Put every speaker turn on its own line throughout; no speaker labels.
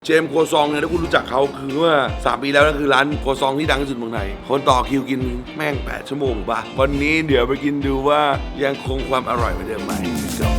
เจมส์ครัวซองเนี่ยถ้าคุณรู้จักเขาคือเมื่อ3 ปีแล้วนั่นคือร้านครัวซองที่ดังที่สุดเมืองไทยคนต่อคิวกินแม่ง8 ชั่วโมงป่ะวันนี้เดี๋ยวไปกินดูว่ายังคงความอร่อยเหมือนเดิมไหม Let's go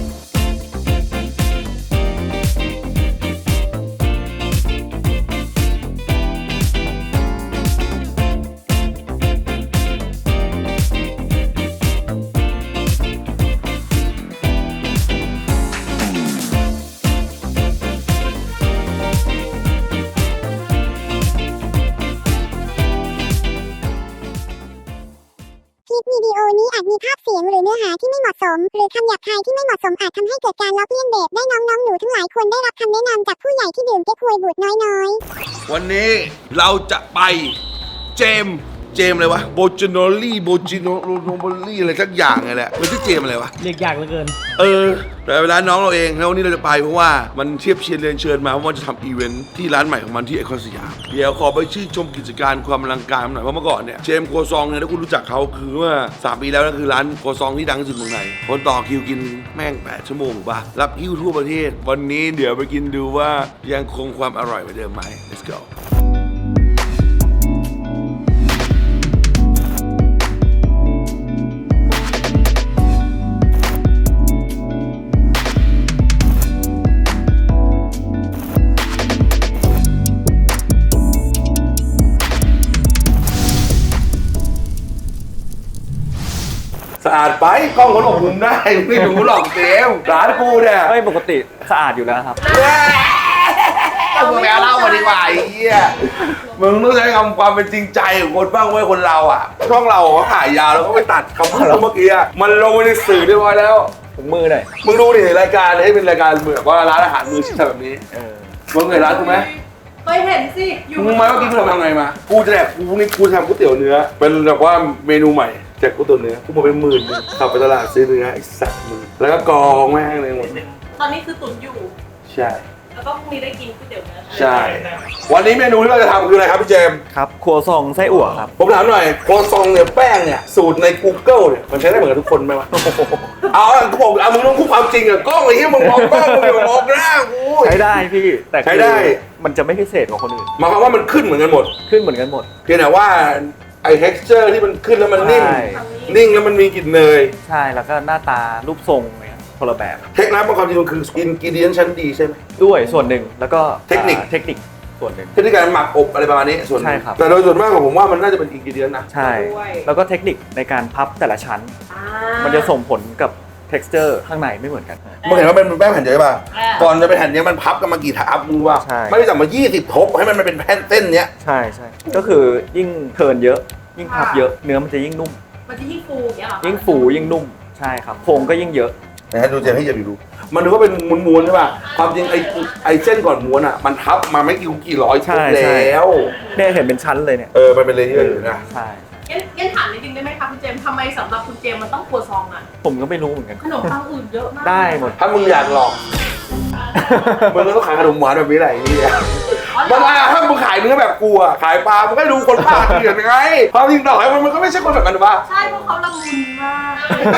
คลิปวิดีโอนี้อาจมีภาพเสียงหรือเนื้อหาที่ไม่เหมาะสมหรือคำหยาบคายที่ไม่เหมาะสมอาจทำให้เกิดการล้อเลียนเด็กได้น้องๆหนูทั้งหลายควรได้รับคำแนะนำจากผู้ใหญ่ที่ดื่มเก๊กฮวยบูดน้อยๆ
วันนี้เราจะไปเจมส์อะไรวะโบจิโนลี่อะไรสักอย่างไงแหละมันชื่อเจมส์อะไรวะ
เรียกยากเหลือเกิน
แต่เวลาน้องเราเองแล้ววันนี้เราจะไปเพราะว่ามันเทียบเชียร์เรียนเชิญมาเพราะว่าจะทำอีเวนท์ที่ร้านใหม่ของมันที่ไอคอนสยามเดี๋ยวขอไปชื่นชมกิจการความอลังการหน่อยเพราะเมื่อก่อนเนี่ยเจมส์ครัวซองเนี่ยถ้าคุณรู้จักเขาคือเมื่อ3 ปีแล้วนั่นคือร้านครัวซองที่ดังที่สุดเมืองไทยคนต่อคิวกินแม่ง8 ชั่วโมงป่ะรับคิวทั่วประเทศวันนี้เดี๋ยวไปกินดูว่ายังคงความอร่อยเหมือนเดิมไหม Let's goสะอาดไปกล้องเขาหลบมุมได้ไม่ดูหลอกเจมส์ร้านกูเนี่ย
เฮ้ยปกติสะอาดอยู่แล้วครับ
มึงแมวเล่ามาดีกว่าไอ้เหี้ยมึงต้องใช้คำความเป็นจริงใจของคนบ้างเว้ยคนเราอ่ะช่องเราเขาถ่ายยาวแล้วก็ไปตัดคำพูดเมื่อกี้มันลงไปในสื่อเรียบร้อยแล้ว
ถุงมือหน่อย
มึงดูดิรายการให้เป็นรายการเหมือนว่าร้านอาหารมืออาชีพแบบนี้มึงเคยร้านกูไหม
เคยเห็นสิอยู่
มึงมาเมื่อกี้กูทำไงมากูจะแดกกูนี่กูทำก๋วยเตี๋ยวเนื้อเป็นแบบว่าเมนูใหม่แจกก๋วยเตี๋ยวเนื้อกูมาเป็น10,000ขับไปตลาดซื้อเนื้อไอ้สัตว์มึงแล้วก็กองแม่งเลยหมด
ตอนนี้คือตุ๋นอยู่
ใช่
แล้วก็พรุ่งนี้ได้กินก๋วยเตี๋ยวเนื้อ
ใช่วันนี้เมนูที่เราจะทำคืออะไรครับพี่เจมส์
ครับครัวซองไส้อั่วครับ
ผมถามหน่อยโคซองเนี่ยแป้งเนี่ยสูตรใน Google เนี่ยมันใช้ได้เหมือนกับทุกคนไหมวะเอากูบอกมึงต้องพูดความจริงอะกล้องไอ้ที่มึงมองกล้องมึงอย่ามองหน้ากู
ใช้ได้พี่แต่
ใช้ได้
มันจะไม่พิเศษกว่าคนอื่น
หมายความว่ามันขึ้นเหมือนกันหมด
ขึ้นเหมือนกันหมด
เพียงแต่ว่าไอ้ texture ที่มันขึ้นแล้วมันนิ่งแล้วมันมีกลิ่นเนย
ใช่แล้วก็หน้าตารูปทรงเนี่ยคนละแบบ
เทคนิคความจริงมันคืออินกิเดียนชั้นดีใช่ไหม
ด้วยส่วนหนึ่งแล้วก็
เทคนิค
ส่วนหนึ่ง
เทคนิคการหมักอบอะไรประมาณนี้ส่วนใช่ครับแต่โดยส่วนมากของผมว่ามันน่าจะเป็นอินกิเดียนนะ
ใช่แล้วก็เทคนิคในการพับแต่ละชั้นมันจะส่งผลกับtexture ข้างในไม่เหมือนกัน
มึงเห็นว่าเป็นแป้งแผ่นใหญ่ป่ะก่อนจะเป็นแผ่นนี้มันพับกันมากี่ทับมึงว่าไม่ได้จับมา20 ทบให้มันเป็นแผ่นเส้นเนี้ย
ใช่ก็คือยิ่งเทิร์นเยอะยิ่งพับเยอะเนื้อมันจะยิ่งนุ่ม
มันจะยิ่งฟูอย่างเงี้ยหรอ
ยิ่งฟูยิ่งนุ่มใช่ครับโครงก็ยิ่งเยอะ
นะดูเจมให้เจมดูมันดูว่าเป็นม้วนๆใช่ป่ะความจริงไอ้เส้นก่อนม้วนอ่ะมันทับมาไม่กี่ร้อยชุดแล้ว
เนี่ยเห็นเป็นชั้นเลยเนี่ย
มันเป็นเลเยอร์อยู่นะ
ใช่
งั้นถามนิดนึงได้ไหมคะคุณเจมส์ทำไมสำหรับคุณเจมส์มันต้องครัวซองอ่ะ
ผมก็ไม่รู้เหมือนกัน
ขนมปังอื่นเยอะมาก
ได้หมด
ถ้ามึงอยากลองมึงก็ต้องขายขนมหวานแบบนี้แหละนี่แหละถ้ามึงขายเนื้อแบบกูอ่ะขายปลามึงก็ดูคนบ้าเถื่อนไงความจริงต่อให้มันก็ไม่ใช่คนแบบนั้นป่ะ
ใช่เพราะเขาละมุนมาก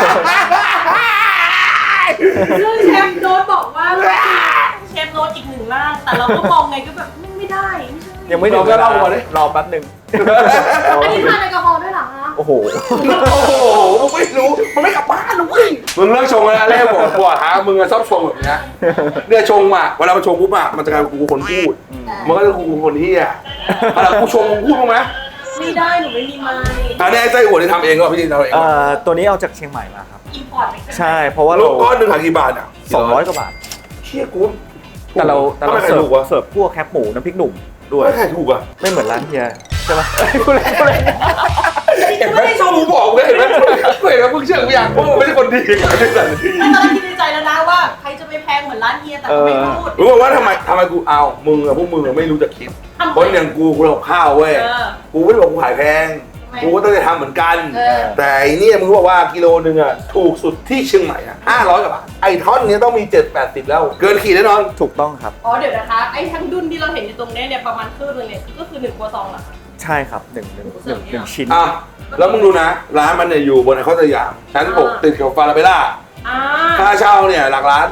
ซึ่งเชฟโน้ตบอกว่าเชฟโน้ตอีก1 ร่างแต่เราก็มองไงก็แบบไม่ได้
ยังไม่ถึงก็เล่าก่อนรอแป๊บนึง
อันนี้ทานแอลกอฮอล์ด้วยเหรอคะ
โอ้โห
มึงไม่รู้มันไม่กลับบ้านนะเว้ยมึงเลิกชงแล้วแรกบอกหามึงชอบชงแบบนี้เนี่ยชงมาเวลามันชงปุ๊บอะมันจะกลายเป็นกูคนพูดมันก็จะกูคนที่อะเวลากูชงมึงพูดมั้ย
ไม่ได้หนูไม่มีไม้
อันนี้ไส้อั่วที่ทำเองก็พี่ดินทำเอง
ตัวนี้เอาจากเชียงใหม่มาครับ
อิมพอร์ต
ใช่เพราะว่า
ลูกก้อนหนึ่งขายกี่บาทอ่ะ
200 กว่าบาท
เชี่ยกู
แต่เราเสิร์ฟพวกแคปหมูน้ำพริกหนุ่มด้วย
ไม่ขายถูกอ่ะ
ไม่เหมือนร้านเฮียใช่ไหม
กูเล่นเห็นไหมกูบอกเลยเห็นไหมกูเห็นแล้วมึงเชื่อกูอย่างพวกมึงไม่ใช่คนดีกันที่สันที
ตอนแรกคิดในใจแล้วนะว่าใครจะไปแพงเหมือนร้านเฮียแต่ก็ไม่พูด
รู้ว่าทำไมกูเอามึงอะพวกมึงไม่รู้จักคิดคนอย่างกูทำข้าวเว้ยกูไม่ได้บอกกูขายแพงกูก็ต้องจะทำเหมือนกันแต่ไอ้นี่มึงรู้ว่ากิโลนึงอ่ะถูกสุดที่เชียงใหม่อ่ะ500 กว่าบาทไอ้ท่อนนี้ต้องมี780แล้วเกินขีดแน่นอน
ถูกต้องครับ
อ๋อเดี๋ยวนะคะไอ้ทั้งดุนที่เราเห็นอยู่ตรงนี้เนี่ยประมาณครึ่งนึงเนี่ยก็คือ1 ครัวซองเหรอคะ
ใช่ครับ1ชิ้น
แล้วมึงดูนะร้านมันเนี่ยอยู่บนไอคอนสยามชั้น6ติดกับฟาราเบล่าค่าเช่าเนี่ยหลักล้าน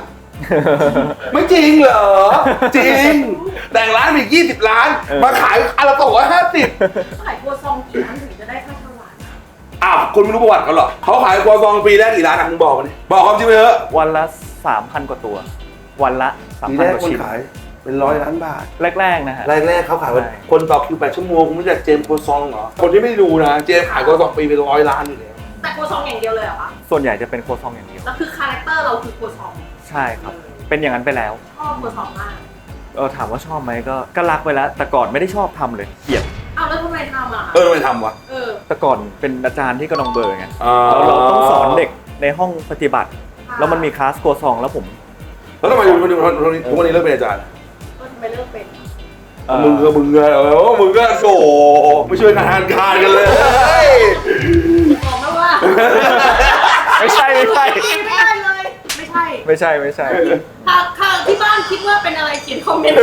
ไม่จริงเหรอ จริง แต่งร้านมี20 ล้าน มาขายอันละ250
ขายครัวซองกี่อันถึงจะได้ค่าถวาย
อ้าวคุณไม่รู้ประวัติเขาเหรอเขาขายครัวซองปีแรกกี่ร้านอ่ะมึงบอกมาดิบอกความจริงไปเถอะ
วันละ 3,000 กว่าตัว วันละ
ปีแร
3,000
ก
กว่า
คน
ชิ้น
ขายเป็น100 ล้านบาท
แรกๆนะฮะ
แรกๆเขาขาย
ใช่
คนต่อคิว8 ชั่วโมงคุณไม่รู้จักเจมส์ครัวซองเหรอคนที่ไม่ดูนะเจมส์ขายครัวซองปีเป็น100 ล้านอยู่แล้ว
แต่ครัวซองอย่างเดียวเลยเหรอคะ
ส่วนใหญ่จะเป็นโคซองอย่างเดียว
แล้วคือคาแรคเตอร์เราคือครัวซอง
ใช่ครับ เป็นอย่างนั้นไปแล้ว
ชอบครัวซองมาก
ถามว่าชอบไหมก็รักไปแล้ว แต่ก่อนไม่ได้ชอบทำเลยเกลียด
อ้าวแล้วทำไมทำอ่ะ
ทำไมทำวะ
แต่ก่อนเป็นอาจารย์ที่กระดองเบอร์ไง
อ่า
เราต้องสอนเด็กในห้องปฏิบัติ แล้วมันมีคลาสโคซองแล้วผม
แล้วทำไมทุกวันนี้เลิกเป็นอาจารย์
ก็ทำไมเลิกเป็น
มึงก็โอ้ไม่ช่วยงานการกันเลย
บอกนะว่า
ไม่ใช่
ไม่ได้เลย ไม่ใช่
ไม่ใช่
ค่ะที่บ้านคิดว่าเป็นอะไรเขียนคอมเมนต์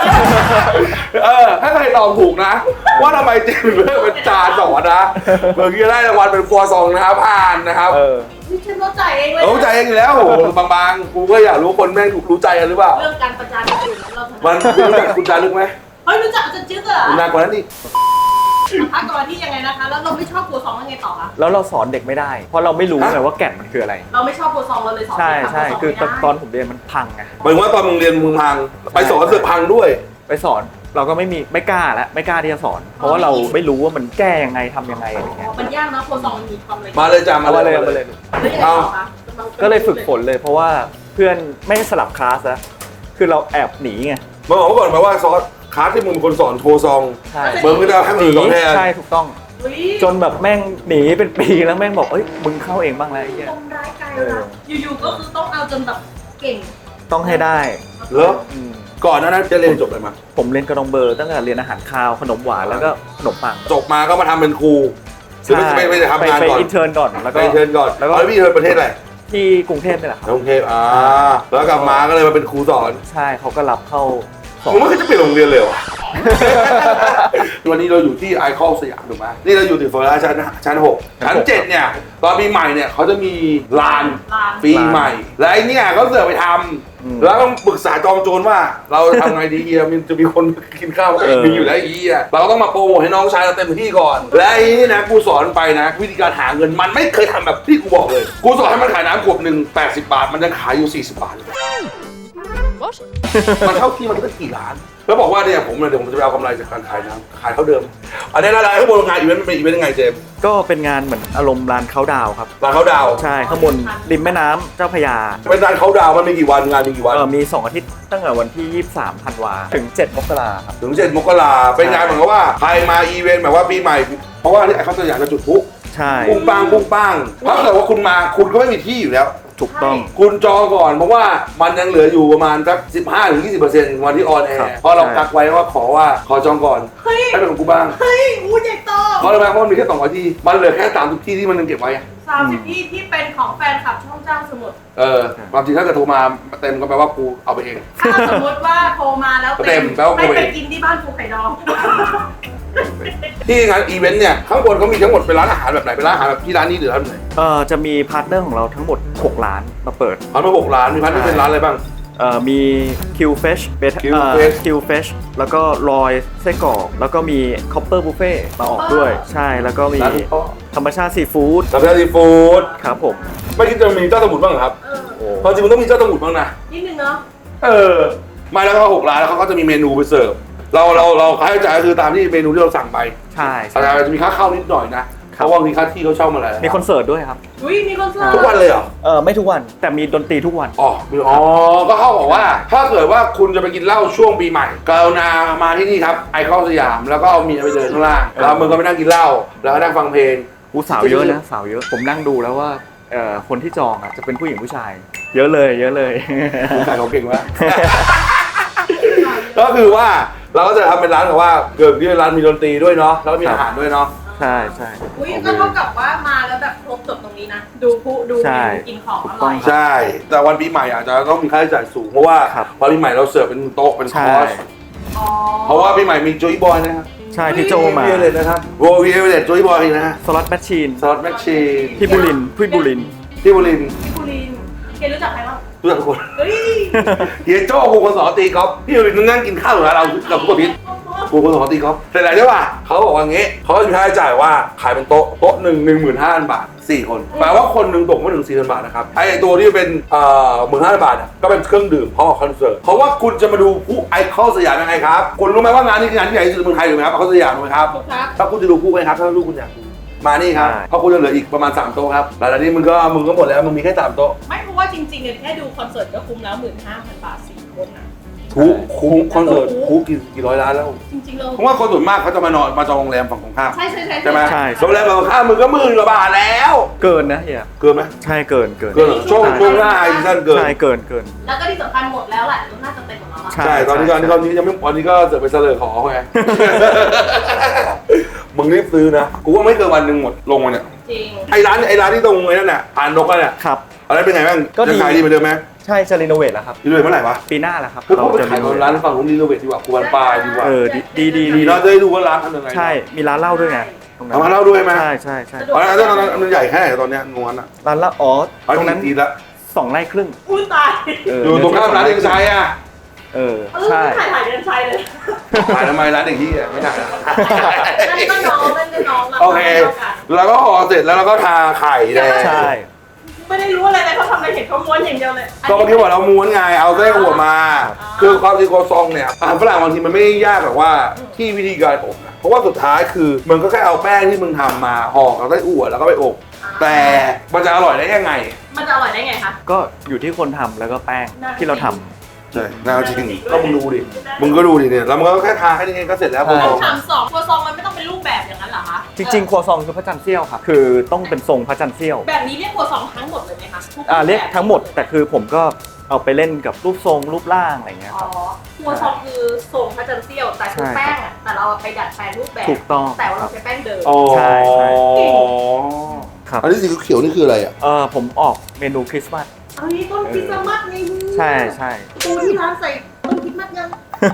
ถ้าใครตอบถูกนะ ว่าทำไมเจมส์เลิกเป็นอาจารย์สอนนะเมื่อกี้ได้รางวัลเป็นครัวซองนะครับผ่านนะครับ
นี่ฉันเข้าใจเองเลย
รู้ใจเองอยู่แล้วบางๆกูก็อยากรู้คนแม่งรู้ใจกันหรือเปล่า
เรื่องการประจานคนอื่นเราถนัด
มันคุณรู้จักคุณจารึกไหม
เฮ้ยรู้จักอาจารย์จึ๊กเหรอ
คุณนานกว่านั้นอีก
พักก่อนที่ยังไงนะคะ แล้วเราไม่ชอบครัวซองแล้วไงต่อคะ
แล้วเราสอนเด็กไม่ได้ เพราะเราไม่รู้ไงว่าแก่นมันคืออะไร
เราไม่ชอบครัวซองเราเลยสอน
ใช่
เด็กทำ
ใช่
รัวซง
คือ
ไม่ได้
ตอนผมเรียนมันพังไง
หมายถึงว่าตอนมึงเรียนมึงพังไปสอนเสือกพังด้วย
ไปสอนเราก็ไม่กล้าแล้วไม่กล้าที่จะสอน เพราะว่าเราไม่รู้ว่ามันแก้ยังไงทำยังไงอะไรเงี้ย
มันยากนะครัวซองมันมีความละเอียด
มาเลยจ้า
เอามาเลย
แล้วยังไงต่อคะ
ก็เลยฝึกฝนเลยเพราะว่าเพื่อนไม่ให้สลับคลาสแล้วคือเราแอบหนีไง
มาบอกก่อนมาว่าซอสคลาสที่มึงเป็นคนสอนโทรซอง
ใช่
เบิร์มก็ได้ให้มึงสอนแทน
ใช่ถูกต้อง
อุ๊ย
จนแบบแม่งหนีเป็นปีแล้วแม่งบอกเอ้ยมึงเข้าเองบ้างแล้วไอ้เหี้ย
ทำร้ายกายรักอยู่ๆก็คือต้องเอาจนแบบเก่ง
ต้องให้ได้
เหรอ
อืม
ก่อนหนานั้นจะเรียนจบอะไรมา
ผมเรียนกระดองเบอร์ตั้งแต่เรียนอาหารคาวขนมหวานแล้วก็ขนมปัง
จบมาก็มาทำเป็นครูหรือไม่ได้ทำงาน
ไป
ก่อน
อินเทอร์นก่อนแล้ว
ไป
ก็
เชิญก่อน
แล้วก็
พี่เชิญประเทศอะไร
ที่กรุงเทพนี่แหละครับ
กรุงเทพแล้วกลับมาก็เลยมาเป็นครูสอน
ใช่เขาก็รับเข้าสอ
ผม
น
ว่าเขาจะเปลี่ยนโรงเรียนเลยเหรอ วันนี้เราอยู่ที่ไอคอนสยามถูกไหมนี่เราอยู่ถึงโฟลาชั้น 6 ชั้น 7 เนี่ย ตอนปีใหม่เนี่ยเขาจะมีลานปีใหม่ และไอเนี่ยเขาเสือกไปทำแล้วต้องปรึกษาจอมโจรว่าเราจะทำไงดีเฮียมันจะมีคนกินข้าวมีอยู่แล้วไอ้เฮียเราต้องมาโปรโมทให้น้องชายเราเต็มที่ก่อน และไอ้นี่นะกูสอนไปนะ วิธีการหาเงินมันไม่เคยทำแบบที่กูบอกเลย กูสอนให้มันขายน้ำขวดหนึ่ง80 บาท มันยังขายอยู่40 บาทเลย มันเท่าที่มันก็กี่ล้าน แล้วบอกว่าเนี่ยผมจะไปเอากำไรจากการขายน้ำขายเท่าเดิม อันนี้อะไรข้างบนงานอีเวนต์มันเป็นอีเวนต์ยังไงเจมส์
ก็เป็นงานเหมือนอารมณ์ร้านเขาดาวครับ
ร้านเขาดาวน์
ใช่ข้างบนริมแม่น้ำเจ้าพระยา
เป็นร้านเขาดาวน์มันมีกี่วันงานมีกี่วัน
มี 2 อาทิตย์ตั้งแต่วันที่ 23 ธันวาถึง 7 มกราครับ
ถึง7 มกราเป็นงานเหมือนกับว่าใครมาอีเวนต์แบบว่าปีใหม่ เพราะว่านี่ไอคอนสยามจะจุดพลุ
ใช่
ปุ้งปังปุ้งปังถ้าเกิดว่าคุณมาคุณก็ไม่มีที่อยู่แล้ว
ถูกต้อง
คุณจองก่อนเพราะว่ามันยังเหลืออยู่ประมาณสัก 15-20% วันที่ออนแอ
ครับ
ร์เพราะเรากักไว้ว่าขอจองก่อน
เฮ้ย
ให้เป็นของกูบ้าง
เฮ้ยอู้ใหญ่โต
เพราะอะไรเพราะมันมีแค่200 ที่มันเหลือแค่30 ที่ที่มันยังเก็บไว้อะ
30ที่เป็นของแฟนคลับช่องเจ้าสมุทร
ความจริงถ้าเกิดโทรมาเต็มก็แปลว่ากูเอาไปเอง
ถ้าสมมติว่าโทรมาแล้ว
เต็มแปลว่า
ไม่
กู
ไป
เอง
กินที่บ้านภูไข่ดอง
ที่งานอีเวนต์เนี่ยข้างบนเขามีทั้งหมดเป็นร้านอาหารแบบไหนเป็นร้านอาหารแบบที่ร้านนี้หรือร้านไหน
จะมีพาร์ทเนอร์ของเราทั้งหมด 6 ร้านมาเปิด
ร้านมา6 ร้านมีร้านที่เป็นร้านอะไรบ้าง
มี Q Fish Q Fish แล้วก็ลอยไส้กรอกแล้วก็มี Copper Buffet มาออกด้วย ใช่แล้วก็มี
ร้านพ่อ
ธรรมชาติซีฟู้ด
ร้านซีฟู้ด
ครับผม
ไม่คิดจะมีเจ้าสมุทรบ้างเหรอครับ
โอ้
ความจริงมันต้องมีเจ้าสมุทรบ้างนะ
นิดนึงเนาะ
ไม่แล้วก็6 ร้านแล้วเขาก็จะมีเมนูไปเสิร์ฟเราค่าใช้จ่ายก็คือตามที่เมนูที่เราสั่งไป
ใช่
อาจจะมีค่าเข้านิดหน่อยนะเพราะว่ามีค่าที่เขาเช่ามาแล้ว
มีคอนเสิร์ตด้วยครับ
อุ้ยมีคอนเสิร์ต
ทุกวันเลยเหรอ
ไม่ทุกวันแต่มีดนตรีทุกวัน
ก็เข้าบอกว่าถ้าเกิดว่าคุณจะไปกินเหล้าช่วงปีใหม่กรุณามาที่นี่ครับไอคอนสยามแล้วก็เอาเมียไปเดินข้างล่างแล้วมึงก็ไปนั่งกินเหล้าแล้วก็นั่งฟังเพลง
สาวเยอะนะสาวเยอะผมนั่งดูแล้วว่าคนที่จองจะเป็นผู้หญิงผู้ชาย เยอะเลยเยอะเลย
ขายของเก่งมาก ก็คือว่าเราก็จะทำเป็นร้านแบบว่าเกิดที่ร้านมีดนตรีด้วยเนาะแล้วก็มีอาหารด้วยเนาะ
ใช่ใช่
อุ้ยก็เท่ากับว่ามาแล้วแบบครบจบตรงนี้นะ ดูผู้ดู
ใช่
กินของอร่อย
ใช่ แต่วันปีใหม่อาจจะต้องมีค่าใช้จ่ายสูงเพราะว่า
ครับ
พอปีใหม่เราเสิร์ฟเป็นโต๊ะเป็นค
ใช่
อร์ส
อ๋อ
เพราะว่าปีใหม่มีโจยบอยนะครับ
ใช่พี่โจมา
เยเลยนะครับโววีเอเวอเรตโจยบอยนะฮะ
สล็อตแมชชีน
สล็อตแมชชีน
พี่บุรินทร์
ที่บุรินทร์
พี่บุรินทร์เคนรู้จักใครบ้าง
รู้จักทุกคน
เฮ้ย
เฮียโจ้ครูคนสอนตีกอล์ฟพี่อยู่นั่งกินข้าวอยู่ร้านเรากับผู้พิษครูคนสอนตีกอล์ฟเสร็จแล้วใช่ป่ะเขาบอกว่างี้เขาจะมีค่าใช้จ่ายว่าขายเป็นโต๊ะหนึ่ง15,000 บาท4 คนแปลว่าคนหนึ่งตกไม่ถึง 4,000 บาทนะครับไอ้ตัวที่เป็น15,000 บาทก็เป็นเครื่องดื่มพร้อมกับคอนเสิร์ตเพราะว่าคุณจะมาดูผู้ไอคอนสยามยังไงครับคุณรู้ไหมว่างานนี้คืองานที่ใหญ่ที่สุดในเมืองไทยถูกไหมครับไอคอนสยามถูกไหมครับ
ครับ
ถ้าคุณจะดูผู้ไหมครับถ้าลูกคุณอยากดูมานี่ครับ
ใช่
เพราะคุณจะเหลืออีกประมาณ3 โต๊ะครับหลังจากนี้มึงก็หมดแล้วมึงมีแค่3 โต๊ะ
ไม่เพราะว่าจริงๆเนี่ยแค่ดูคอนเสิร์ตก็คุ้มแล้ว 15,000 บาท4 คนนะ
คุ้มคอนเสิร์ตคุ้มกี่ร้อยล้านแล้ว
จริงๆเรา
เพราะว่าคนส่วนมากเขาจะมานอนมาจองโรงแรมฝั่งตรงข้าม
ใช่ใช่ใช่
ใช่ไหม
ใช่
โรงแรมฝั่งตรงข้ามมึงก็10,000 กว่าบาทแล้ว
เกินนะเฮีย
เกินไหม
ใช่เกิน
เกินเหรอช่วงหน้าไอ้ท่านเกิน
ใช่เกิน
แล้วก็ที่สำคัญหมดแล้วแหละน่าจะเต็มหมดแล้วอะ
ใช่
ใช่ตอนนี้ยังไม่วันนี้ก็เสือกไปเสลอขอเขาไง มึงรีบซื้อนะกูว่าไม่เกินวันหนึ่งหมดลงมาเนี่ย
จริง
ไอ้ร้านที่ตรงไอ้นั่นน่ะอ่านนกอ่ะเนี่ย
ครับ
อะไรเป็นไงบ้าง
ก็ดี
จะขายดีเหมือนเดิมไหม
ใช่จะรีโนเวทแล้วครับ
ดีเลยเมื่อไหร่วะ
ปีหน้าแล้วครับ
คือเขาไป
จะ
ขาย
รีโนเวท
ร้านฝั่งนู้นรีโนเวทดีกว่ากูวันปลายดีกว่า
ดี
ดีเนาะจะได้ดูว่าร้านทำยังไง
ใช่มีร้านเหล้าด้วยไงตรงนั้น
เอามาเล่าด้วยไหม
ใช่
ตอนนั้นมันใหญ่แค่ไหนตอนเนี้ยงวนอ่ะ
ร้านเหล้าอ๋อตรงนั้น
ดีละ
2 ไร่ครึ่ง
อุ้ยตาย
อยู่ตรงข้ามร้านเอกชัยอ่ะ
ใช่
ถ่ายเดินชัยเลย
ขายทำไมร้านเด็กที่อ่ะไม่ได้นะ
นั่นก็น้องนั่นก็น้อง
โอเคแล้วก็ห่อเสร็จแล้วเราก็ทาไข่แดง
ใช่
ไม่ได้รู้อะไรเลยเขาทำอะไรเห็นเขาม้วนอย่างเดียวเลย
ก็เมื่อกี้บอกเราม้วนไงเอาไส้หัวมา คือความจริงโคซองเนี่ยอาหารฝรั่งบางทีมันไม่ได้ยากแบบว่าที่วิธีการอบนะเพราะว่าสุดท้ายคือมึงก็แค่เอาแป้งที่มึงทำมาห่อกับไส้อั่วแล้วก็ไปอบแต่มันจะอร่อยได้ยังไง
มันจะอร่อยได้ไงคะ
ก็อยู่ที่คนทำแล้วก็แป้งที่เราทำ
ใช่น่าจริงก็มึงดูดิมึงก็ดูดิเนี่ยแล้วมึงก็แค่ทาแค่นี้เองก็เสร็จแล้วโคซอง
ถาม2ครัวซองมันไม่ต้องเป็นรูปแบบอย่างนั้นเหรอคะ
จริงๆครัวซองคือพระจันทร์เสี้ยวครับคือต้องเป็นทรงพระจันทร์เสี้ยว
แบบนี้เรียกครัวซองทั้งหมดเลยไหมคะทุก
เรียก
แบบ
ทั้งหมดแต่คือผมก็เอาไปเล่นกับรูปทรงรูปร่างอะไรเงี้ย
อ๋
ค
อ
รับ
ครัวซองคือทรงพระจันทร์เสี้ยวแต่คือแป้งอะแต่เราไปดัดแปลงรูปแบบ
ถูกต้อง
แต่ว่าเราใช้แป้งเดิม
ใช่ครับ
อันนี้สีเขียวนี่คืออะไรอ่ะ
ผมออกเมนูคริสต์มาส
เอานี้ต้นคริสต์มาสไง
ใช่
ปูที่ร้านใส่ต้นคริสต์มาสยัง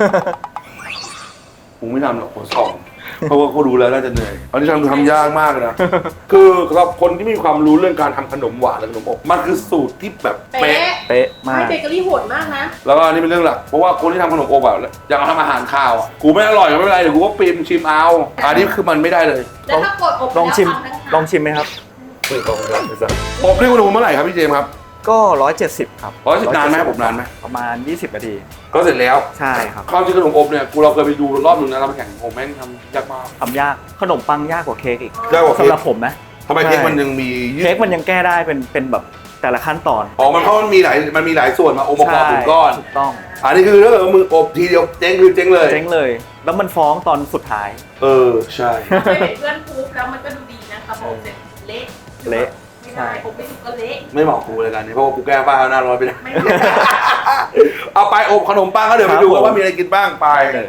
กูไม่ทำหรอกโคซองเพราะว่าเขาดูแล้วน่าจะเหนื่อยอันนี้ทำยากมากเลยนะ คือสำหรับคนที่มีความรู้เรื่องการทำขนมหวานและขนมอบมันคือสูตรที่แบบเป๊ะ
เป๊ะมา
ไม่
ก
เบเกอรี่โหดมากนะ
แล้วก็อันนี้เป็นเรื่องหลัก เพราะว่าคนที่ทำขนมอบแบบอย่างทำอาหารข้าวอะกูไม่อร่อยก็ไม่เป็นไรเดี๋ยวกูก็ปีมชิมเอา อันนี้คือมันไม่ได้เลย
แล้วถ้ากดอบ
ลองชิม
แล้วทำทั้
ลองชิมไหมครับ
ไม่ต้องรับไม่สั่งอบนี่คุณดูเมื่อไหร่ครับพี่เจมส์ครับ
ก็ 170 ครับ
170นานไหมผมนานไหม
ประมาณ 20 นาที
ก็เสร็จแล้ว
ใช่ครับ
ความจริงขนมอบเนี่ยกูเราเคยไปดูรอบนึงนะเราไปแข่งผมแม่งทำยากมาก
ทำยากขนมปังยากกว่าเค้กอีก
ยากกว่าเค้
สำ
ก
หรับผมนะ
ทำไมเค้กมันยังมียืด
เค้กมันยังแก้ได้เป็นแบบแต่ละขั้นตอน
อ๋อมันเพราะมันมีหลายส่วนมาองค์ประกอบเป็นก้อน
ถูกต้อง
อันนี้คือถ้าเกิดว่ามึงอบทีเดียวเจ๊งคือเจ๊งเลย
เจ๊งเลย แล้วมันฟ้องตอนสุดท้าย
ใช่
เคยเห็นเพื่อนพูดแล้วมันก็ดูดีนะแต่พออบเสร็จเละ
เละ
ไม่ได้ผมไม่ถูกก็เละ
ไม่เหมาะกูเลยกันนี้เพราะว่ากูแก้ป้าหน้าร้อนไปแล้ว
ไม่ได้
เอาไปอบขนมปังก็เดี๋ยวไปดูกันว่ามีอะไรกินบ้างไป
เลย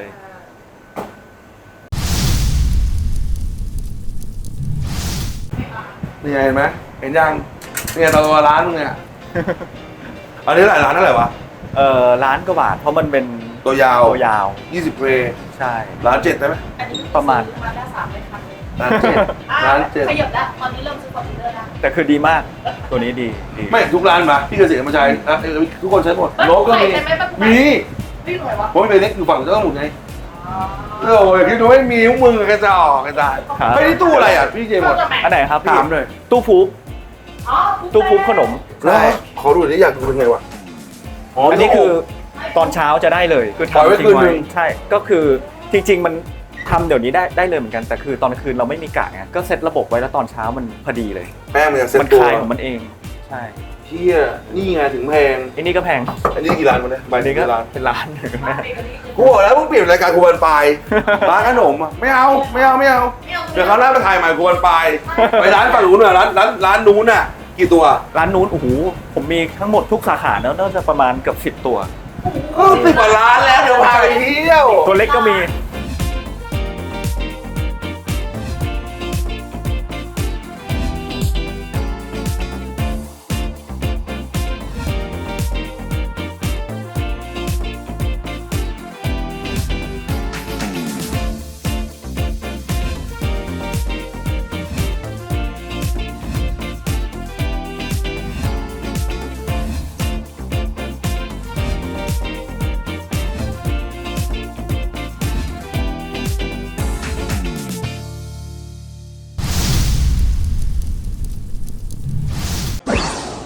นี่ไงเห็นไหมเห็นยังเนี่ยตัวร้านมึงเนี่ย อันนี้หลายร้านเท่าไหร่วะ
ร้านกว่าบาทเพราะมันเป็น
ตัวยาว
ตัวยาว
20เพลย์
ใช่
ร้าน7ได้ไหม
อันนี้
ประมาณ
ซื้อมาได้3เลยครับ
ร้าน7ร้าน
ขยับแล้วตอนนี้เริ่มซื้อคอมพิวเตอร์ได้
แต่คือดีมากตัวนี้ดี
7ไม่ทุกร้านมาพี่เกษตรมาใช้ทุกคนใช้หมด
เอ้ย
โลก็มี
ใส่ไหมปะ
มี
นี่หน่อยวะ
เพราะมันเป็นเล็กอยู่ฝั่งเจ้าหมุนไง
อ๋อ
โอ้ยคิดดูไม่มีพวกมึงกระจอกกระจาย
ครับ
ไม่ได้ตู้อะไรอ่ะพี่เจหมด
อันไหนครับพี่
ถามหน่อย
ตู้ฟูบ
อ๋อ
ตู้ฟูบขนม
ใช่ขอดูหน่อยอยากดูเป็นไงวะ
อันนี้คือตอนเช้าจะได้เลยคือ
ปล่อยไว้
ทำทิ้ง
คืนหนึ่
ไว้
ง
ใช่ก็คือจริง ๆ มันทำเดี๋ยวนี้ได้เลยเหมือนกันแต่คือตอนคืนเราไม่มีกะไงก็เซตระบบไว้แล้วตอนเช้ามันพอดีเลย
แป้งมันจะเซ็ต
มัน
ตัว
คลายของมันเองใช่
เที่ยนี่ไงถึงแพง
อันนี้ก็แพง
อันนี้กี่ร้านมาเนี่ยใบ
อัน
นี้
นี้ก็
กี่ร้าน
เป็นร้านหนึ่งนะ
กูบอกแล้วมึงเปลี่ยนรายการกูวันปลายร้านขนมอ่ะไม่เอาเดี๋ยวเขาหน้าไปถ่ายใหม่กูวันปลายไปร้านฝั่งนู้นน่ะร้านนู้นน่ะกี่ตัว
ร้านนู้นโอ้โหผมมีทั้งหมดทุกสาขาน่าจะประมาณเกือบ10 ตัว
ก็10 กว่าร้านแล้วเดี๋ยวพาไปเที่ยว
ตัวเล็กก็มี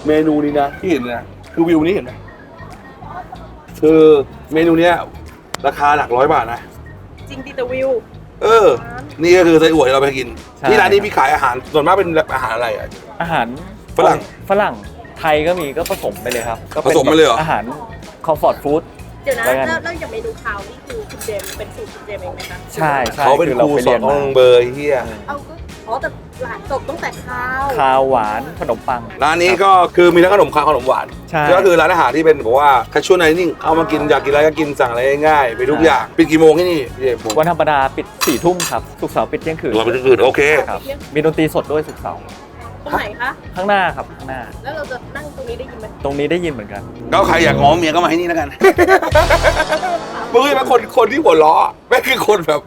เมนูนี้นะที่เห็นนะคือวิวนี้เห็นไหมคือเมนูเนี้ยราคาหลัก100 บาทนะ
จริงดิแต่วิว
นี่ก็คือไส้อั่วที่เราไปกิน
ใช่
ที่ร้านนี้พี่ขายอาหารส่วนมากเป็นอาหารอะไรอ่ะ
อาหาร
ฝรั่ง
ฝรั่งไทยก็มีก็ผสมไปเลยครับก็ป็น
ผสมไปเลยเหรอ
อาหารคอมฟอร์ตฟู้ด
เดี๋ยวนะ
แล้วกัน
แล้วอย่างเมนูคาวนี่คือคุณเจมส์เป็นสูตรคุณเจมส์เองไหมคะ
ใช่ใช่
เขาเป็น
อ
ครู
ไป
สอ
เรี
น
ย
ห้
มา
องเบอร์เฮีย
เอาก็แต่หลานจบตั้งแต่ข้าว
คาวหวานขนมปัง
ร้านนี้ก็คือมีทั้งขนมคาวขนมหวาน
ใช่
ก็คือร้านอาหารที่เป็นแบบว่าแคชชวลไนนิ่งเอามากินอยากกินอะไรก็กินสั่งอะไรง่ายๆไปทุกอย่างปิดกี่โมงที่นี่พี่เอก
วันธรรมดาปิด4 ทุ่มครับศุกร์เสาร์ปิดเที่ยงคืน
เราไปที่อื่นโอเค
ครับมีดนตรีสดด้วยศุกร์เสาร์
ตรงไหนคะ
ข้างหน้าครับข้างหน้า
แล้วเราจะนั่งตรงนี้ได้ยินไหม
ตรงนี้ได้ยินเหมือนกัน
ก็ใครอยากง้อเมียก็มาให้นี่แล้วกัน มึงเป็นคนที่หัวล้อไม่คือคนแบบ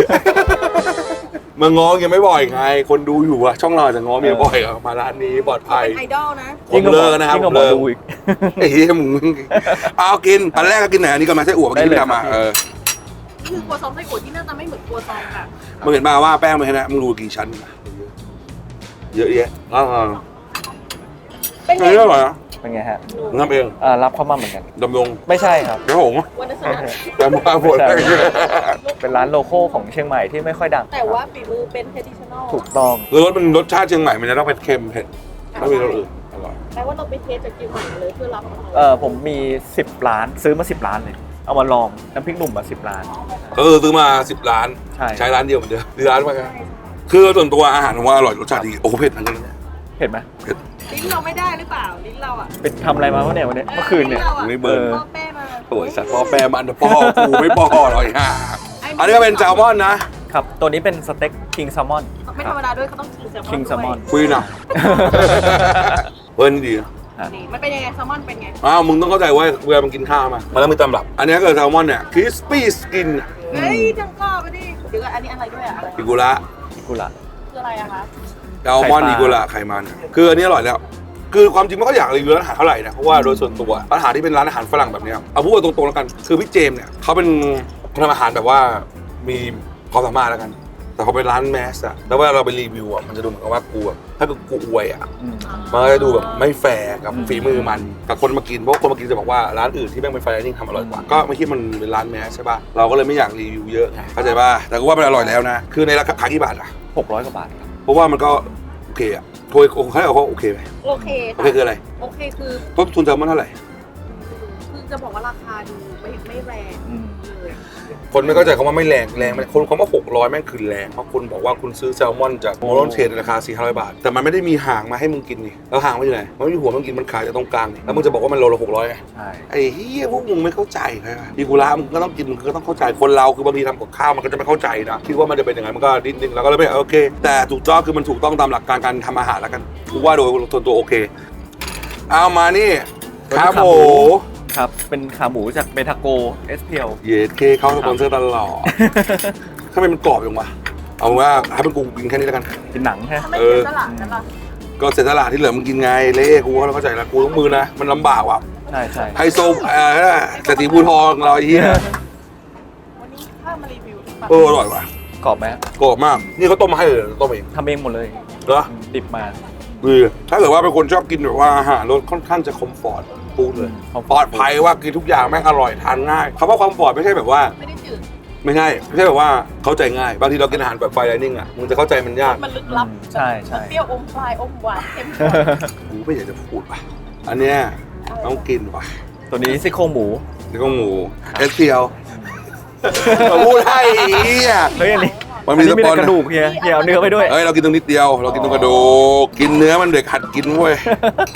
มาง้อยังไม่บ่อยไง คนดูอยู่อะช่องเราจะง้อเมียบ่อยอะมาร้านนี้ปลอดภัย
เป็นไอดอลนะ
ผมเลิกนะครับ
ยิ่ง
ผ
ก
ม
ว่าหมอ
เลิก
ดูอีก
ไอ้เหี้ยมึงเอากินอันแรกก็กินไหนอันนี้ก็มาไส้อั่วเมื่อกี้
ได้เลย
ที่ทำมา
ครับ
นี่คือครัวซองไส้อั่วที่หน่าจะไม่เหมือนครัวซองแบบ
มึงเห็นป่าวว่าแป้งมันแค่นั้นมึงดูกี่ชั้นเยอะแยะอ่า
เป็นไง
อันนี้อร่อยนะ
เป็นไงฮะ
มึงทำเอง
รับเข้ามาเหมือนกัน
ดำรง
ไม่ใช่ครับ
ครับผม
วันนั้นส
ไม่
นะ
ใช่
แต่มาหมด
ไม่ใช่ เป็นร้านโลโก้ของเชียงใหม่ที่ไม่ค่อยดัง
แต่ว่าฝีมือเป็น traditional
ถูกต้อง
คือรสชาติเชียงใหม่มันจะต้องเป็นเค็มเผ็ดไม่มีรสอื่นอร่อย
แปลว่าเราไปเทสจากเชียงใหม่เลยเพื่อรับมา
ผมมี 10 ล้านซื้อมา 10 ล้านเลย เอามาลองน้ำพริกหนุ่มมา10 ล้าน
ซื้อมา10 ล้าน
ใช่
ร้านเดียวเหมือนเดิมร้านมากันคือส่วนตัวอาหารผมว่าอร่อยรสชาติดีโอ้โหเผ็ดเหมือนกัน
เห็นไหม
ลิ้นเราไม่ได้หรือเปล่าลิ้นเราอ่ะ
เป็นทำอะไรมาวะเนี่ยวันนี้เมื่อคืนเนี่ย
ไม่เบิร์น
พ่อแป้มา
โอ้ยสัตว์พ่อแปรมันพ่อกูไม่พ่อหรอกฮะอันนี้ก็เป็นแซลมอนนะครับ
ตัวนี้เป็นสเต็กคิงแซลมอน
ไม่ธรรมดาด้วยเขาต้องกินแซลมอน
คิงแซลมอน
คุยหน่อยเบิร์นดีนะ
นี่มันเป็นยังไงแซลมอนเป็นไง
อ้าวมึงต้องเข้าใจว่าเวลามันกินข้าวมาแล้วมีตำรับ อันนี้ก็แซลมอนเนี่ยคริสปี้สกิน
เฮ้ยจังก็ไปดิเดี๋ยวก่อนอันนี้อะไรด้วยอะอะไร
อิกุระ
กุละ
คืออะไรอะคะ
แซลมอน
ไข่ปลา
อิกุระไขมันคืออันนี้อร่อยแล้ว คือความจริงไม่ก็อยากรีวิวร้านอาหารเท่าไหร่นะเพราะว่าโดยส่วนตัวร้านอาหารที่เป็นร้านอาหารฝรั่งแบบเนี้ยเอาพูดกันตรงๆแล้วกันคือพี่เจมส์เนี่ยเขาเป็นคนทำอาหารแบบว่ามีความสามารถแล้วกัน แต่เขาเป็นร้านแมสอะแล้วเวลาเราไปรีวิวอะมันจะดูเหมือนกับว่ากูแบบถ้าเกิดกูอวยอะ
อืม
มันก็จะดูแบบไม่แฟร์กับฝีมือมันกับคนมากินเพราะคนมากินจะบอกว่าร้านอื่นที่แม่งเป็นไฟไดนิ่งทำอร่อยกว่าก็ไม่คิดมันเป็นร้านแมสใช่ป่ะเราก็เลยไม่อยากรีวิวเยอะเข้าใจป่ะแต่ก็ว่ามันอร่อยแล้วนะคือในราคาขายกี่บาทอะ
600 กว่าบาทครับ
เพราะว่ามันก็โอเคอะโทยเขาเรียกว่าโอเคไหม
โอเค
โอเคคืออะไร
โอเคคือ
ต้นทุนแซลมอนเท่าไหร่
จะบอกว่าราคาดูไม่แรง
อืม
เลย
คนไม่เข้าใจคำว่าไม่แรงมันคนคำว่า600แม่งคือแรงเพราะคุณบอกว่าคุณซื้อแซลมอนจากโมโลนเทรดในราคา400 บาทแต่มันไม่ได้มีหางมาให้มึงกินนี่แล้วหางมันอยู่ไหนมันไม่มีหัวมึงกินมันขายจากตรงกลางนี่แล้วมึงจะบอกว่ามันโลละ600ไง
ใช่
ไอ้เฮียพวกมึงไม่เข้าใจเลยอีกุระมึงก็ต้องกินมึงก็ต้องเข้าใจคนเราคือบางทีทำกับข้าวมันก็จะไม่เข้าใจนะคิดว่ามันจะเป็นยังไงมันก็ดิ้นๆแล้วก็เลยไม่โอเค แต่ถูกต้องคือมันถูกต้องตามหลักการการทำอาหารแล้วกันกูว่าโดยส่วนตัวโอเคเอามานี่ครับโห
ครับ เป็นขาหมูจากเบทาโก SPL
เยสเคเข้าสปอนเซอร์ตลอดทำไมมันกรอบจังวะเอาว่าให้เป็นกูกินแค่นี้แล้วกัน
เป็นหนังใช่ไหม
ถ้าไม่เสียสละกันล่ะ
ก็เสร็จตลาดที่เหลือมึงกินไงเละกูเข้าใจแล้วกูต้องมือนะมันลำบากว่ะ
ใช่ใช่
ไฮโซเศรษฐีภูทองเราไอ้เหี้ย
วันนี้ถ้ามารีวิวดีกว่า
อร่อยว่ะ
กรอบไหม
กรอบมากนี่เขาต้มมาให้เลยต้มเอง
ทำเองหมดเลย
เหรอ
ดิบมา
คือถ้าเกิดว่าเป็นคนชอบกินแบบว่าอาหารรสค่อนข้างจะคอมฟอร์ตพูดเลย
comfort
ปลอดภัยว่ากินทุกอย่างแม่งอร่อยทานง่ายคำว่าคอมฟอร์ตไม่ใช่แบบว่า
ไม่ได้จืด
ไม่ใช่แบบว่าเข้าใจง่ายบางทีเรากินอาหารแบบไฟไดนิ่งอ่ะมึงจะเข้าใจมันยาก
มันลึกลับ
ใช่ใช่
เปรี้ยวอมปลายอมหวานเค็ม
กูไม่อยากจะพูดว่ะอันเนี้ยต้องกินว่ะ
ตัวนี้ซี่โครงหมู
นี่ก็หมูเอสเทียวมาพูดให้ไอ้เหี้ย
เฮ้ยอันนี้
มันมี
อันนี้มี
สป
แต่
อน
กระดูกเฮียเฮียเอาเนื้อไปด้วย
เอ้ยเรากินตรงนิดเดียวเรากินตรงกระดูกกินเนื้อมันเด็กหัดกินเว้ย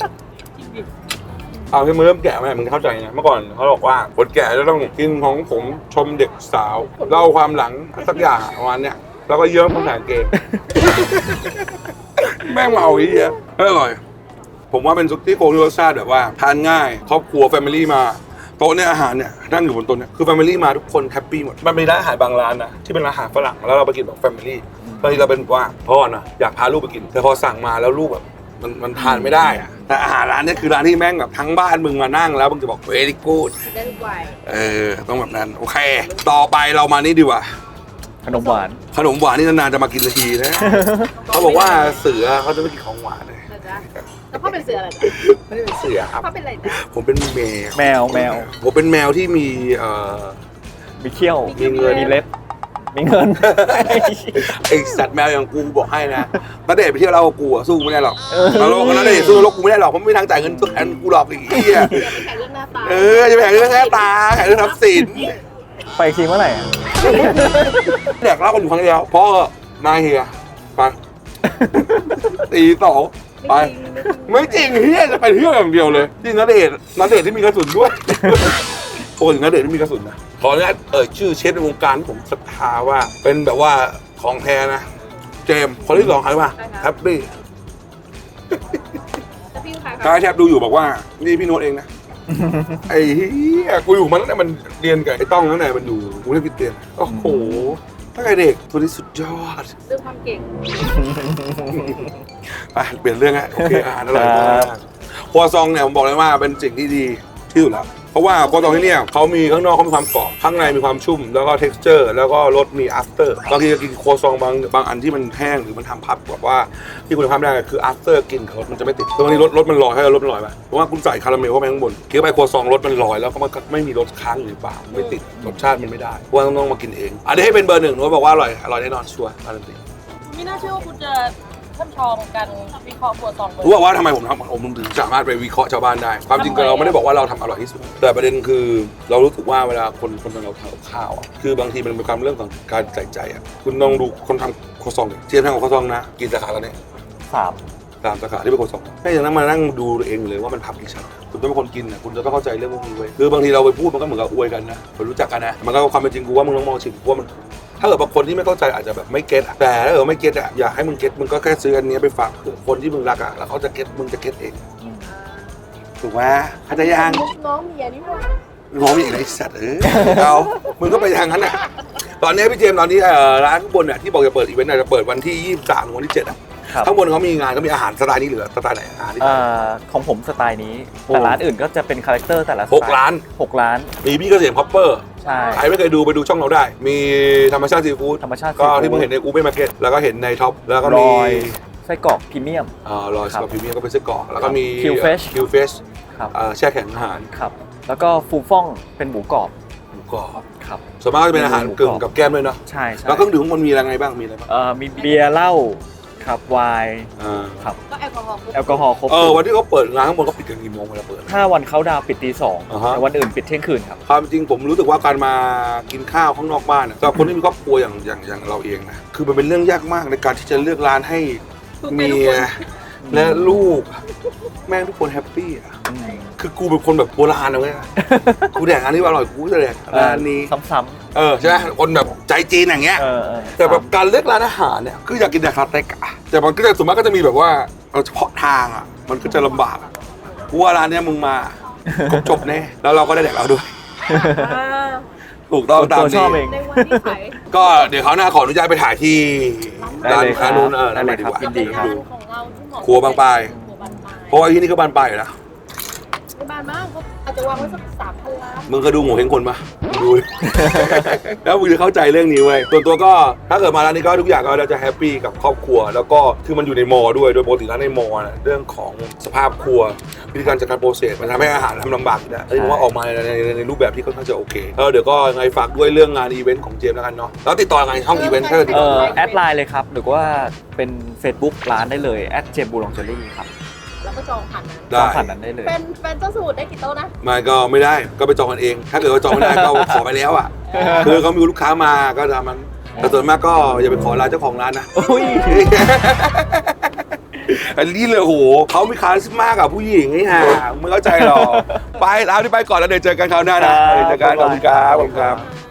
เอาที่มึงเริ่มแก่ไหมมึงเข้าใจนะเมื่อก่อนเขาบอกว่าคนแก่จะต้องกินของผมชมเด็กสาวเล่าความหลังสักอย่างประมาณเนี้ยแล้วก็เยิ้มภาษาเกม แม่งเมาอีกเหี้ยอร่อย ผมว่าเป็นซุกี้โครงที่รสชาติแบบว่าทานง่ายครอบครัวแฟมิลี่มาโต๊ะเนี่ยอาหารเนี่ยนั่งอยู่บนโต๊ะเนี่ยคือแฟมิลี่มาทุกคนแฮปปี้หมดมันมีร้านอาหารบางร้านนะที่เป็นร้านอาหารฝรั่งแล้วเราไปกินแบบแฟมิลี่บางทีเราเป็นว่าพ่อนะอยากพาลูกไปกินแต่พอสั่งมาแล้วลูกแบบมันทานไม่ได้อะแต่อาหารร้านเนี้คือร้านที่แม่งแบบทั้งบ้านมึงมานั่งแล้วมึงจะบอก very good
ได้ทุกวัย
ต้องแบบนั้นโอเค ต่อไปเรามานี่ดีกว่า
ขนมหวาน
ขนมหวานนี่นานๆจะมากินทีนะ เขาบอกว่าเสือเขาจะไม่กินของหวานเลย
นะจ๊ะแล้วพ่อเป็นเสืออะไรจ๊ะ
ไม่ได้เป็นเสือครับ
พ่อเป็นอะไรจ๊ะ
ผมเป็นแมว
แมว
ผมเป็นแมวที่มี
มีเขี้ยว
มีเงิน
มีเล็บมีเงิน
ไอสัตว์แมวอย่างกูบอกให้นะณเดชน์ไปเที่ยวเรากับกูอะสู้ไม่ได้หรอกเราโลกณเดชน์สู้โลกกูไม่ได้หรอกเพราะไม่มีทางจ่ายเงินตัวแทนกูหรอกไอ้เหี้ย
อย่าไปแข่งเรื่องหน้าตา
จะไปแข่งเรื่องหน้าตาแข่งเรื่องทรัพย์สิน
ไปอีกทีเมื่อไหร่อะ
แดกเหล้ากันอยู่ครั้งเดียวพ่อมาเฮียไปตีสองไปไม่จริงเฮียจะไปเที่ยวอย่างเดียวเลยที่ณเดชน์ที่มีกระสุนด้วยโอ้ยณเดชน์ที่มีกระสุนนะขออนุญาตชื่อเชฟในวงการที่ผมศรัทธาว่าเป็นแบบว่าของแท้นะเจมส์คนที่สองใครวะแฮปปี้
จะพี่ใคร
กายแทบดูอยู่บอกว่านี่พี่โน้ตเองนะ ไอ้เหี้ยกูอยู่มันตั้งแต่มันเรียนกับไอ้ต้องตั้งแต่มันอยู่กูเรียนพิเตียนโอ้โหตั้งแต่เด็กตัวนี้สุดยอด
เรื่องความเก่ง
ไปเปลี่ยนเรื่องฮะโอเคอาหารอร่อยมากครัวซองเนี่ยผมบอกเลยว่าเป็นสิ่งที่ดีที่สุดแล้วเพราะว่าครัวซองที่เนี่ยเขามีข้างนอกเขามีความกรอบข้างในมีความชุ่มแล้วก็ texture แล้วก็รสมี after บางทีจะกินครัวซองบางอันที่มันแห้งหรือมันทำพับแบบว่าที่คุณภาพไม่ได้คือ after กินรสมันจะไม่ติดบางทีรสมันลอยให้รสมันลอยไปเพราะว่าคุณใส่คาราเมลเข้าไปข้างบนเคี้ยวไปครัวซองรสมันลอยแล้วก็มันไม่มีรสค้างอยู่ในปากไม่ติดรสชาติมันไม่ได้เพราะว่าต้องมากินเองอันนี้ให้เป็นเบอร์หนึ่งโน้ตบอกว่าอร่อยแน่นอนชัวร์การันตี
ไม่น่าเชื่อว่าคุณจะท่านชองกันวิเคราะห์ครัวซองเลย
รู้ว่าทำไมผมถึงสามารถไปวิเคราะห์ชาวบ้านได้ความจริงเราไม่ได้บอกว่าเราทำอร่อยที่สุดแต่ประเด็นคือเรารู้สึกว่าเวลาคนเราทำกับข้าวอ่ะคือบางทีมันเป็นความเรื่องของการใส่ใจอ่ะคุณลองดูคนทำครัวซองเทียบทำกับครัวซองนะกี่สาขาแล้วเนี่ย
3
3 สาขาที่เป็นครัวซองแค่ยังนั่งมานั่งดูเองเลยว่ามันพับกี่ชั้นคุณต้องเป็นคนกินอ่ะคุณจะต้องเข้าใจเรื่องพวกนี้เว้ยคือบางทีเราไปพูดมันก็เหมือนกับอวยกันนะคนรู้จักกันนะมันก็ความเป็นจริงกูว่ามึงต้องมองชิมกูว่ามันถ้าเกิดบางคนที่ไม่เข้าใจอาจจะแบบไม่เก็ตแต่ถ้าเกิดไม่เก็ตอ่ะอยากให้มึงเก็ตมึงก็แค่ซื้ออันนี้ไปฝากเผื่อคนที่มึงรักอ่ะแล้วเขาจะเก็ตมึงจะเก็ตเองถูกไหมเข้าใจยัง
น้องเมียนี่ว่า
น้องมีอะไรสัตว์เอามึงก็ไปทางนั้นอ่ะตอนนี้พี่เจมส์ตอนนี้ร้านข้างบนเนี่ยที่บอกจะเปิดอีเวนต์จะเปิดวันที่23ถึงวันที่7อ่ะ
ครับ
ข้างบนเขามีงานก็มีอาหารสไตล์นี้เหลือสไตล์ไหนอาหารที่
ของผมสไตล์นี้
โอ้
แต่ร้านอื่นก็จะเป็นคาแรคเตอร์แต่ละสไตล์
6 ร้าน
6 ร้าน
มีพี่เกษมคอปเปอร์
ใช่
ใครไม่เคยดูไปดูช่องเราได้ มีธรรมชาติซีฟู้ด
ธรรมชาติ
ก็
seafood
ที่มึงเห็นในอูเบมาร์เก็ตแล้วก็เห็นในท็อปแล้วก็
ร
มี
อยไส้กรอกพรีเมียม
รอยส
ครับ
กอร์พรีเมียมก็เป็นไส้กรอกแล้วก็มี
Qfresh
คิวเฟส
ครับ
แช่แข็งอาหาร
ครับ แล้วก็ฟูฟ่องเป็นหมูกรอบ
หมูกรอบ
ครับ
ส่วนมากจะเป็นอาหารกึ่งกับแก้มด้วยเนาะ
ใช่ใช่
แล้วเครื่องดื่มข้างบนมีอะไรบ้างมีอะไรบ้าง
มีเบียร์เหล้าครับไวน์ครับ
ก็แอลกอฮอล์
แอลกอฮอล์ครบ
วันที่เขาเปิดร้านข้างบนเขาปิดกันกี่โมงเวลาเปิด
ถ้าวันเขาดาวน์ปิดตี
อ่าฮะ
2แต่วันอื่นปิดเที่ยงคืนครับ
ความจริงผมรู้สึกว่าการมากินข้าวข้างนอกบ้านสำหรับคนที่มีครอบครัวอย่างเราเองนะคือมันเป็นเรื่องยากมากในการที่จะเลือกร้านให้เมียและลูกแม่งทุกคนแฮปปี้อ่ะคือกูเป็นคนแบบโบราณนะเว้ยกูแดกอันนี้อร่อยกูจะแดกร้านนี้
ซ้ำ
ใช่ไหมคนแบบใจจีนอย่างเงี้ย
ๆ
แต่แบบการเลือกร้านอาหารเนี่ยคืออยากกินแต่สเต็กอะแต่มันก็จะส่วนมากก็จะมีแบบว่าเฉพาะทางอะมันก็จะลำบากอะกูว่าร้านเนี้ยมึงมาจบแน่แล้วเราก็ได้แดกเราด้วย ถูกต้องตาม
ตัวช
นี้
อบเอง
ในวันที่ขาย
ก็เดี๋ยวเขาวหน้าขออนุญาตไปถ่ายที่
ได้
ร้าน
เลยครับ
ค้านู้น
ได้เลย
ดี
ครับ
กว่า
ยินดีครับ
เป็นานของเราที่เหมาะ
ครัวบางปลาย
ครัวบางปลาย
เพราะว่าที่นี่ก็บานปลายอยู่นะ
ไม่บานมากเขาอาจจะวางไว้สัก3,000 ล้าน
มึงเคยดูโง่เฮงคนปะดู แล้วมึงจะเข้าใจเรื่องนี้เว้ยส่วนตัวก็ถ้าเกิดมาร้านนี้ก็ทุกอย่างก็เราจะแฮปปี้กับครอบครัว แล้วก็คือมันอยู่ในมอด้วยโดยปกติร้านในมอนะเรื่องของสภาพครัววิธีการจัดการโปรเซสมันทำให้อาหารทำลำบากอยู่นะเอ้ยผมว่าออกมาในรูปแบบที่ค่อนข้างจะโอเคแล้วเดี๋ยวก็ยังไงฝากด้วยเรื่องงานอีเวนต์ของเจมส์แล้วกันเนาะแล้วติดต่อยังไงช่องอีเวนต์ถ้าเกิดติดต่อ
แอดไลน์เลยครับ หรือว่าเป็น Facebook ร้านได้เลยเจมบูลองเจอรี่ครับ
แล้วก็จองผ่านนั้น
จ
ได้
องผ่านนั้นได้เลย
เป็นเจ้าสูตรได้กี่โต๊ะนะ
ไมาก็ไม่ได้ก็ไปจองกันเอง ถ้าเกิดว่าจองไม่ได้ก็ขอไปแล้วอ่ะคือเขามีลูกค้ามาก็ทำมันแต่ส่วนมากก็อย่าไปขอร้านเจ้าของร้านนะ
โอ้ย
อันนี้เลยโหเขามีคาริสมากับผู้หญิงไอ้ห่าไม่เข้าใจหรอกไปแล้วที่ไปก่อนแล้วเดี๋ยวเจอกันคราวหน้านะเดี๋ยวเจอกันขอบคุณครับ